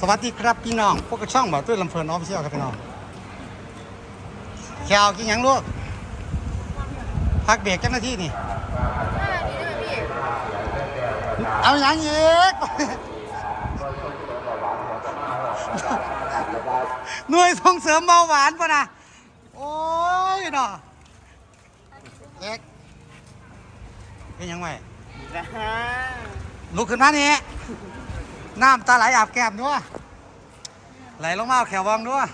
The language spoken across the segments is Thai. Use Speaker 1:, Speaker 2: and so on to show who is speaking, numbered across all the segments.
Speaker 1: วัสดีครับพี่น้องพวกกระช่องบ่าวตุ้ยลำเพลินออฟฟิเชียลครับพี่น้องแขวกินยังลูกพักเบรกเจ้าหน้าที่นี่เอาอย่างอีกหน่วยส่งเสริมเบาหวานป่ะนะโอ้ยเนาะเอ็กเป็นยังไงลุกขึ้นมานี่น้ำตาไหลอาบแก้มด้วยไหลลงมาเอาแขววองด้วย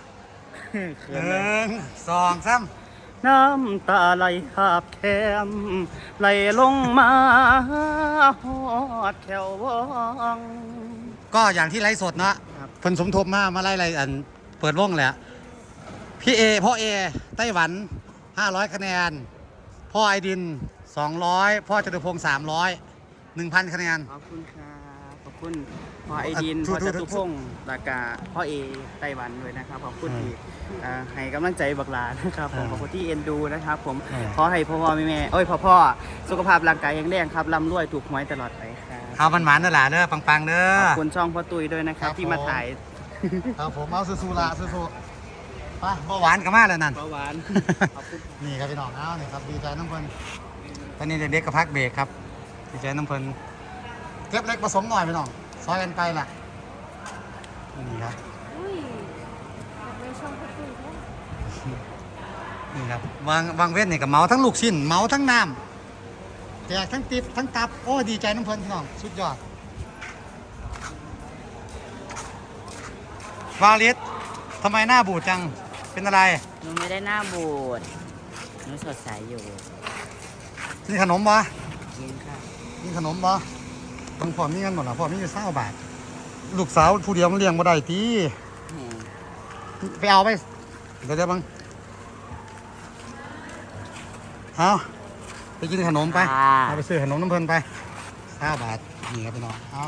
Speaker 1: 1 2 3
Speaker 2: น้ำตาไหลหาบแคมไหลลงมาหอดแถววอง
Speaker 1: ก็อย่างที่ไลฟ์สดนะผลสมทบมาไล่อันเปิดวงแหละพี่พ่อเอไต้หวัน500คะแนนพ่อไอดิน200พ่อจตุพงศ์300 1,000 คะแนน
Speaker 2: ขอบคุณค่ะขอบคุณพ่อไอดินพ่อจตุพงศ์ตากาพ่อเอไต้หวันด้วยนะครับขอบคุณที่ให้กำลังใจบักหลานะครับผมขอบคุณที่เอ็นดูนะครับผมขอให้พ่อแม่พ่อสุขภาพร่างกายแข็งแรงครับร่ำรวยถูกหวยตลอดไปครับ
Speaker 1: เอามันหมานนั่นแหละเด้อปังๆเด้อ
Speaker 2: ขอบคุณช่องพ่อตุ้ยด้วยนะครับที่มาถ่าย
Speaker 1: ครับผมเอาสู้ๆละสู้ๆไปเบาหวานกันมาแล้วนั่น
Speaker 2: เบาหวานขอบคุณ
Speaker 1: นี่ครับพี่น้องเอาเนี่ยครับดีใจน้ำเพลินตอนนี้เด็กๆกับพักเบรกครับดีใจน้ำเพลินเก็บเล็กผสมหน่อยพี่น้องซอยกันไปล่ะนี่ครับนี่ครับวางเว้นนี่กับเมาทั้งลูกชิ้นเมาทั้งน้ำแจกทั้งติบทั้งตับโอ้ดีใจน้ำเพลินพี่น้องสุดยอดวาลิสทำไมหน้าบูดจังเป็นอะไร
Speaker 2: หนูไม่ได้หน้าบูดหนูสดใสอยู่
Speaker 1: กินขนมบ่
Speaker 2: กินค่ะ
Speaker 1: กินขนมบ่บางพ่อมีเงินหมดหรอพ่อมีอยู่20 บาทลูกสาวผู้เดียวมันเลี้ยงบ่ได้ตีไปเอาไปเดี๋ยวบังเอาไปกินขนมไปเอาไปซื้อขนมน้ำเพลินไป20 บาทนี่ครับพี่น้องเอา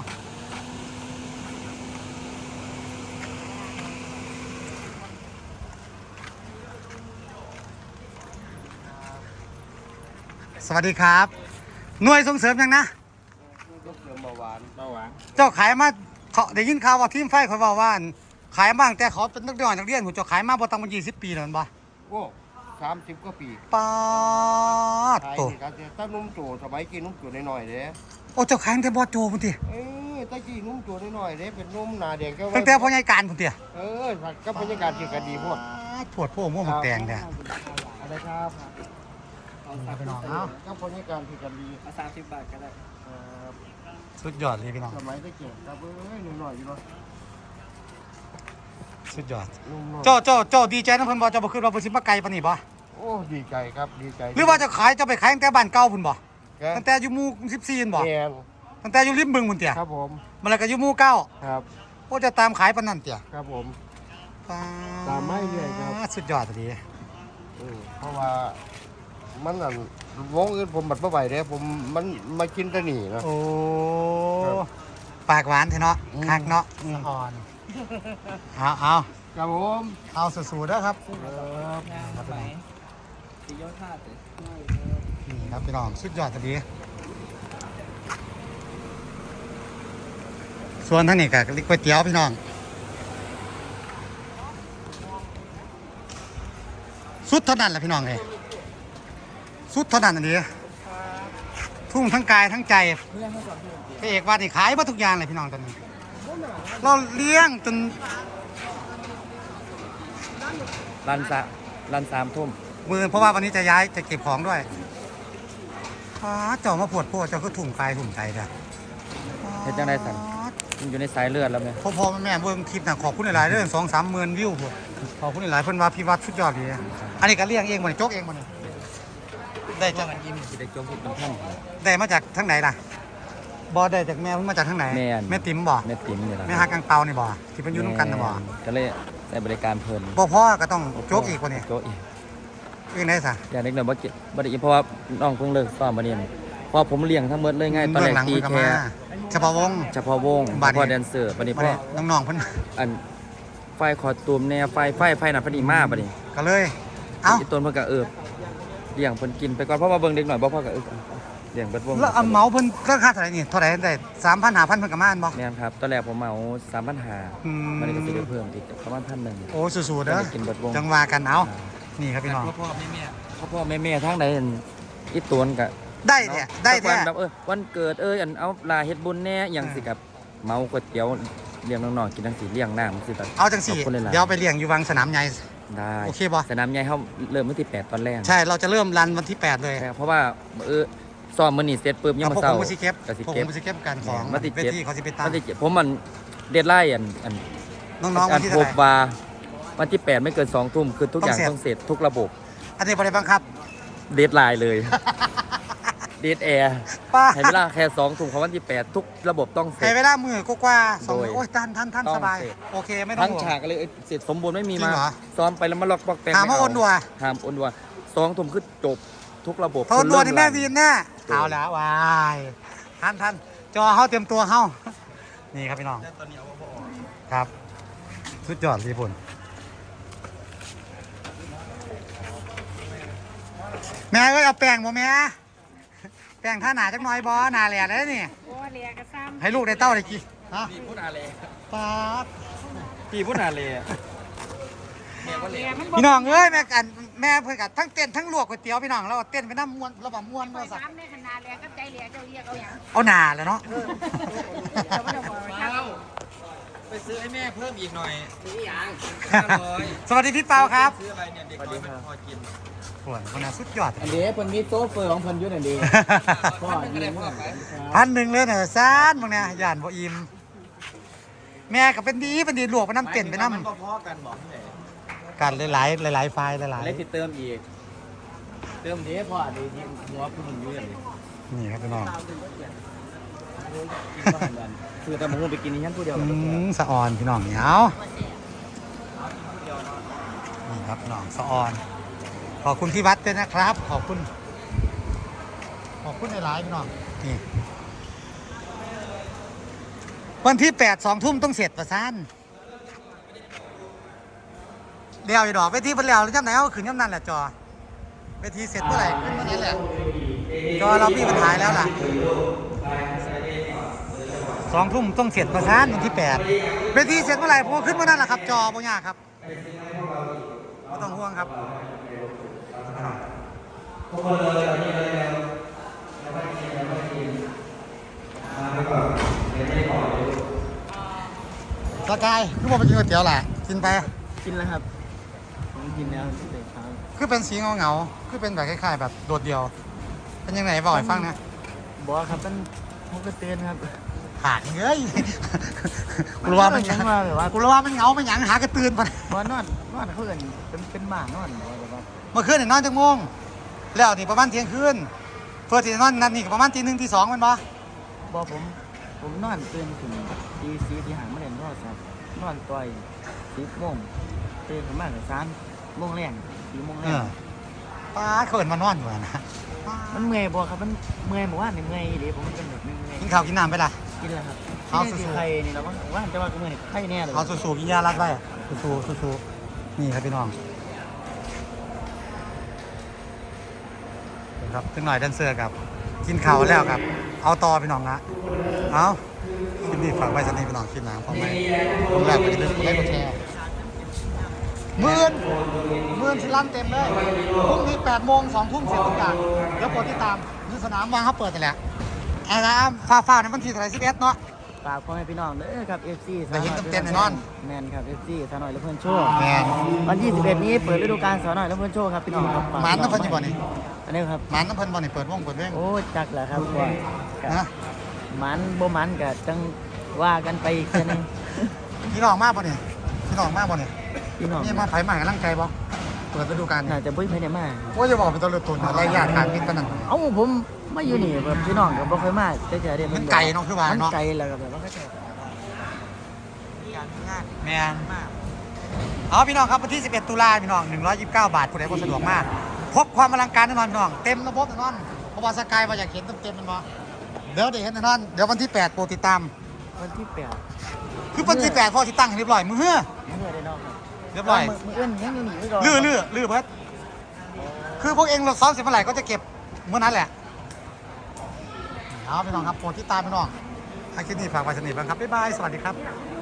Speaker 1: สวัสดีครับหน่วยส่งเสริมยังนะ
Speaker 2: ส่งเสริมเบาหวาน
Speaker 1: เจ้าขายมาเขาได้ยินข่าวว่าทีมไฟเขาบอกว่าขายมาตั้งแต่เขาเป็นนักเรียนผมจะขายมาบ่ต่ำกว่า20 ปีแล้วบ่
Speaker 3: โอ้30 กว่าปี
Speaker 1: ป้าโต
Speaker 3: ถ้านุ่มโจสมัยกี้นุ่มโจน้อยๆเด้
Speaker 1: โอ้เจ้าขายตั้งแต่บ่โจพุ่นติ
Speaker 3: ตะกี้นุ่มโจน้อยๆเด้เป็นนุ่มหน้าแดงก็
Speaker 1: ตั้งแต่พ่อใหญ่การพุ่นติ
Speaker 3: ก็บรรยากาศที่ก็ดีพวก
Speaker 1: ปวดพวกม่วงแดงเด้อ
Speaker 3: อะไรครับ
Speaker 1: พี่น้องเนาะ
Speaker 3: ก็บรรยากาศที่ก็ดี
Speaker 2: 30 บาทก็ได้
Speaker 1: สุดยอดเลยพี่น้อง
Speaker 3: สมัยตะกี้ครับน้อยๆอยู่เนาะ
Speaker 1: สุดยอดเจ้าดีใจนำเพิ่นบ่เจ้าบ่คิดว่าเพิ่นสิมาไกลปานนี้บ่
Speaker 3: โอ้ดีใจครับดีใจ
Speaker 1: หรือว่าจะขายจะไปขายตั้งแต่บ้านเก่าพุ่นบ่ตั้งแต่อยู่หมู่14พุ่นบ่ตั้งแต่อยู่ริมบึงพุ่นเตี่ย
Speaker 3: ครับผม
Speaker 1: มันแล้วก็อยู่หมู่9
Speaker 3: ครับ
Speaker 1: โอ้จะตามขายปานนั้นเตี่ย
Speaker 3: ครับผมตามไม่เรื่อยครับ
Speaker 1: สุดยอดดี
Speaker 3: เพราะว่ามันนั่นวงอื่นผมบัดบ่ไหวเด้ผมมันมากินแต่นี่นะ
Speaker 1: โอ้ปากหวานแท้เนาะคักเนาะอ่อนเอา
Speaker 3: ครับผม
Speaker 1: เอาสู้ๆเด้อครับ
Speaker 2: ครับไปสิยอดท่าเด้
Speaker 1: นี่ครับพี่น้องสุดยอดดีส่วนทางนี้ก็ก๋วยเตี๋ยวพี่น้องสุดเท่านั้นแหละพี่น้องเลยสุดเท่านั้นอันนี้ทุ่งทั้งกายทั้งใจพระเอกว่านี่ขายมาทุกอย่างเลยพี่น้องตอนนี้เราเลี้ยงจน
Speaker 2: รัน3 ทุ่ม
Speaker 1: มือเพราะว่าวันนี้จะย้ายจะเก็บของด้วยเจ้ามาปวดเจ้าก็ถุ่มกายถุ่มใจจ้ะ
Speaker 2: เฮ็ดจังได๋สั่นมันอยู่ในสายเลือดแล้วแม่
Speaker 1: พ่อแม่เบิ่งคลิปน่ะขอบคุณหลายๆเด้อ2-3 หมื่นวิวพุ่นขอบคุณหลายๆเพิ่นว่าพี่วัดสุดยอดดีอันนี้ก็เลี้ยงเองบ่นี่โจกเองบ่นี่ได้จาก
Speaker 2: ได้จมพุทธท่าน
Speaker 1: ได้มาจากทางไหนล่ะบ่ได้จากแม่เพิ่นมาจากทางไหนแม่ติ๋มบ่
Speaker 2: แม่ติ๋มนี่ล่ะ
Speaker 1: แม่ฮักกังเปานี่บ่ที่เพิ่นอยู่นำกันน่ะบ่
Speaker 2: ก็เลยได้บริการเพิ่น
Speaker 1: บ่พอก็ต้องโจกอีกกว่านี้
Speaker 2: โจกอีก
Speaker 1: อีกไหนซะ
Speaker 2: อย่างเด็กน้อยบ่ได้เพราะว่าน้องเพิ่งเลิกซ้อมมาเนี่ยพอผมเลี้ยงทั้งหมดเลยง่ายตอนแรกตีแค่
Speaker 1: เฉพาะวง
Speaker 2: พอแดนเซอร์บัดนี้พ่อ
Speaker 1: น้องๆเพิ่น
Speaker 2: อันไฟคอตูมแนวไฟน่ะพอดีมาบัดนี้
Speaker 1: ก็เลยเอ้า
Speaker 2: ต้นเพิ่นก็เลี้ยงเพิ่นกินไปก่อนเพราะว่าเบิ่งเด็กหน่อยบ่พอก็
Speaker 4: เลี้ยงเบิดวง
Speaker 1: แล้วเอาเหมาเพิ่นราคาเท่าไหร่นี่เท่าไหร่ได้3,000 5,000เพิ่นก็มาอันบ่
Speaker 4: แม่นครับตอนแรกผมเหมา3,500
Speaker 1: อืม
Speaker 4: มันก็สิได้เพิ่มอีกประมาณ1,000
Speaker 1: โอ้สู้ๆเด้อ
Speaker 4: ได้กินเบิดวง
Speaker 1: จังว่ากันเอานี่ครับพี่น้อง
Speaker 4: พ่อแม่ทางใดอีตวนก็
Speaker 1: ได้แท้ได้แท้
Speaker 4: แบบวันเกิดอันเอาลาเฮ็ดบุญแน่อย่างสิกับเมาก๋วยเตี๋ยวเลี้ยงน้องๆกินจังสิเลี้ยงน้ำสิแบบ
Speaker 1: เอาจังสี่
Speaker 4: ขบคุณหลายๆ
Speaker 1: เดี๋ยวไปเลี้ยงอยู่วังสนามใหญ่
Speaker 4: ได้
Speaker 1: โอเคบ่
Speaker 4: สนามใหญ่เฮาเริ่มวันที่8ตอนแรก
Speaker 1: ใช่เราจะเริ่มรันวันที่ 8 เลย
Speaker 4: ใช่เพราะว่าซ้อมมื้อนี้เสร็จปุ๊บยัง
Speaker 1: พว
Speaker 4: มาก เช้า
Speaker 1: ผมสิเก็บ
Speaker 4: ก็สิ
Speaker 1: พวกผ
Speaker 4: เก็บ
Speaker 1: มสิเก็บกันของ
Speaker 4: วันที่
Speaker 1: เวทีเขาสิไปตั้ง
Speaker 4: วันที่7ผมมันเดดไลน์อัน
Speaker 1: น้องๆวันที่
Speaker 4: พ
Speaker 1: เท่า
Speaker 4: บ
Speaker 1: ไหร่
Speaker 4: ว่าวันที่8ไม่เกิน2ทุ่มคือทุกอย่าง
Speaker 1: ต้องเสร็จ
Speaker 4: ต้องเสร็จทุกระบบ
Speaker 1: อันนี้บ่ได้บังคับ
Speaker 4: เดดไลน์เลย เดดแอร์
Speaker 1: ป้า
Speaker 4: ให้เวลาแค่2ทุ่มของวันที่8ทุกระบบต้องเสร็
Speaker 1: ให้
Speaker 4: จ
Speaker 1: เวลามือกว่าๆสอง
Speaker 4: โด
Speaker 1: มื้
Speaker 4: ย
Speaker 1: อโอ้ยท่าน
Speaker 4: ต้อง
Speaker 1: สบาย
Speaker 4: เสร็จ
Speaker 1: โอเคไม่ต้อง
Speaker 4: ทั้ง
Speaker 1: ห่วง
Speaker 4: ฉากเลยเสร็จสมบูรณ์ไม่มี
Speaker 1: จริ
Speaker 4: มาง
Speaker 1: เหรอ
Speaker 4: ซ้อมไปแล้วมาล็อกบอกแปลง
Speaker 1: ถามว่า
Speaker 4: ไเ
Speaker 1: โอนดัว
Speaker 4: ถามโอนดัว2ทุ่มคือจบทุกระบบ
Speaker 1: โทนดัวนี่แม่วีนแน่
Speaker 4: โดย
Speaker 1: เอาแล้ววายท่านจอเฮาเตรียมตัวเฮานี่ครับพี่น้องครับสุดยอดญี่ปุ่นแม่ก็เอาแป้งบ่แม่แป้งท่าหนาจักหน่อยบ่หนาแหล่ได้นี่
Speaker 5: โอ้เลียกระซ้ำ
Speaker 1: ให้ลูกได้เต้าได้กี่ฮะ
Speaker 4: พี่พูดอะไร
Speaker 1: ป๊าบ
Speaker 4: พี่พูดอะไร
Speaker 5: เลียมัน
Speaker 1: พี่น้องเอ้ยแม่กันแม่เพิ่นกัทั้งเต้นทั้งลวกก๋วยเตี๋ยวพี่น้องแล้วเต้นไปน้ำมวนระบำมวน
Speaker 5: บ่
Speaker 1: บ่สัก
Speaker 5: ซ้ำในขนาดเลียกับใจเลียเจ้าเรียกเอาอย่าง
Speaker 1: เอาหนาเลยเนาะ
Speaker 5: เจ้าไม่ต้องบอกว่าครับ
Speaker 4: ไปซื้อให้แม่เพิ่มอีกหน่อยซื้ออย่าง
Speaker 1: สวัสดีพี่เปาครับ
Speaker 4: ซื้ออะไรเนี่ยเด็กน้อยมันพอกิน
Speaker 1: โอ้ยคนน่ะสุดยอด
Speaker 4: อันนี้เพิ่นมีโซเฟอร์ของเพิ่นอยู่นั่นดีพ่อนี่เลยพ่อไป
Speaker 1: 1,000เลยเนี่ยซานบางเนี่ยย่านบ่อิ่มแม่ก็เป็นดีลวกไปน้ำเต้นไปน้
Speaker 4: มันพอกันบอกที่ไหน
Speaker 1: ำกันหลายๆไฟล์หลาย
Speaker 4: เล็กที่เติมอีกเติมเด้พ่อดียิงหัวคุณอยู่อย่างนี้
Speaker 1: ๆนี่ครับพี่น้อง
Speaker 4: คือแต่หมูไปกินนี่ฉันผู้เดียว
Speaker 1: สะออนพี่น้องเหนียวนี่ครับพี่น้องสะออน ขอบคุณพี่วัดด้วยนะครับ ขอบคุณหลายๆพี่น้องนี่วันที่8 2 ทุ่มต้องเสร็จประสานเดี๋ยวอีดอกเวทีเพิ่นแล้วหรือจำไหนเอาขึ้นย่ำนั่นแหละจอเวทีเสร็จเมื่อไหร่ขึ้นเมื่อนั้นแหละจอเราพี่ปัญหาแล้วล่ะ2 ทุ่มต้องเสร็จประสานวันที่8เวทีเสร็จเมื่อไหร่ผมก็ขึ้นเมื่อนั้นแหละครับจอบ่ยากครับไม่ต้องห่วงครับสกายคือบอกไปกินก๋วยเตี๋ยวแหละกินไป
Speaker 4: กินแล้วครับผมกินแล้วเด็กครับ
Speaker 1: คือเป็นสีเงาๆคือเป็นแบบคล้ายๆแบบโดดเดี่ยว เป็นยังไงบอกให้ฟังนะ
Speaker 4: บอกครับเป็นมุกกระเตือนครับ
Speaker 1: ขาดเงยกูรู้ว่ามันหยัง
Speaker 4: มาแบบว่า
Speaker 1: กูรู้ว่ามันเหงามันหยังหากระตือนไป
Speaker 4: นอนเขาเอินเป็นหมานอนแบบว่า
Speaker 1: เมื่อคืนเนี่ยนอนจังโมงแล้วนี่ประมาณเที่ยงคืนเพื่อที่จะนอนนั่นนี่ก็ประมาณตี 1 ตี 2มันบ่
Speaker 4: บอกผมนอนตื่นถึงตีสี่ตีห้ามาเล่นโทรศัพท์นอนต่อย10 โมงตื่นขึ้นมาก็3 โมงแรง4 โมงแร
Speaker 1: เอง อป้าเขินมานอนอยู่นะป๊า
Speaker 4: มันเมื่อยบ่ครับมันเมื่อยบอกว่านี่เมื่อยดิผมเป็นแบบเมื่อย
Speaker 1: กินข้าวกินน้ำไปล่ะ
Speaker 4: กินแล้วครับ
Speaker 1: เอา
Speaker 4: ที่
Speaker 1: สู้ๆ
Speaker 4: ไข่นี่เราว่าจะว่าก็เมื่อยไข่แน่เลย
Speaker 1: เอาสู้ๆกินยารัดไว้สู้ๆนี่ครับพี่น้องครับถึงหน่อยแดนเซอร์ครับกินข้าวแล้วครับ เอาต่อพี่น้องนะเอาคลิปนี้ฝากไว้สักนิดพี่น้องคลิปหน้าพอไหมผมแรกก็จะเป็นคนแรกก็แชร์หมื่นสิลั่นเต็มเลยพรุ่งนี้8 โมง 2 ทุ่มเสร็จทุกอย่างแล้วกดติดตามนี่สนามวางเขาเปิดแต่แหละไอ้นะฟ้าในวันที่11เนาะ
Speaker 4: ฝากพ่อแม่พี่น้องเด้อครับ FC
Speaker 1: ได้เห็นเต็มๆแน่นอน
Speaker 4: แมนครับ FC สาวน้อยและเพื่อนโชว์
Speaker 1: แม่น
Speaker 4: วันที่11นี้เปิดฤดูกาลสาวน้อยและเพื่อนโชว์ครับพี่น้องครับฝาก
Speaker 1: หมันน้ำเพิ่นอยู่บ่นี่
Speaker 4: อันนี้ครับ
Speaker 1: หมันน้ำเพิ่นบ่นี่เปิดวงเปิดเว้ง
Speaker 4: โอ้จักแหละครับว่า
Speaker 1: นะ
Speaker 4: มันบ่มันก็จังว่ากันไปอีกเทื่อนึง
Speaker 1: พี่น้องมากบ่นี่พี่น้องมากบ่นี่
Speaker 4: พี่น้อง
Speaker 1: นี่มาไผใหม่กำลังใจบ่เปิดฤดูกาล
Speaker 4: น่าจะบ่มีไผได้มา
Speaker 1: ว่าจะบอกเป็นตัวเลือดตุนอะไรยากการกินปานนั้น
Speaker 4: เอ้าผมมาอยู่นี่แบบพี่น้องก็บ่เคยมาแต่จะได้
Speaker 1: มันไกลเนาะคือว่า
Speaker 4: มัน
Speaker 1: เนาะ
Speaker 4: ไกลแล้วก็แบบว่าก็จะ
Speaker 1: แม่นเอาพี่น้องครับวันที่ 11 ตุลาพี่น้อง129 บาทผู้ใดบ่สะดวกมากพบความอลังการแน่นอนพี่น้องเต็มระบบแน่นอนเพราะว่าสกายว่าอยากเห็นเต็มๆมันบ่เดี๋ยวได้เห็นแน่นอนเดี๋ยววันที่8โปรดติดตาม
Speaker 4: วันที่8
Speaker 1: คือวันที่8พอสิตั้งให้เรียบร้อยมื้อเฮ้อ
Speaker 4: มื้อได้น้องครับ
Speaker 1: เรียบร้อย
Speaker 4: มื้ออื่นยังอยู่นี่ไว้ก่อน
Speaker 1: ลื้อเบิดคือพวกเองเราซ้อมเสร็จเมื่อไหร่ก็จะเก็บเมื่อนั้นแหละเอาพี่น้องครับโปรดติดตามพี่น้องให้คลิปนี้ฝากไว้สนิทบ้างครับบ๊ายบายสวัสดีครับ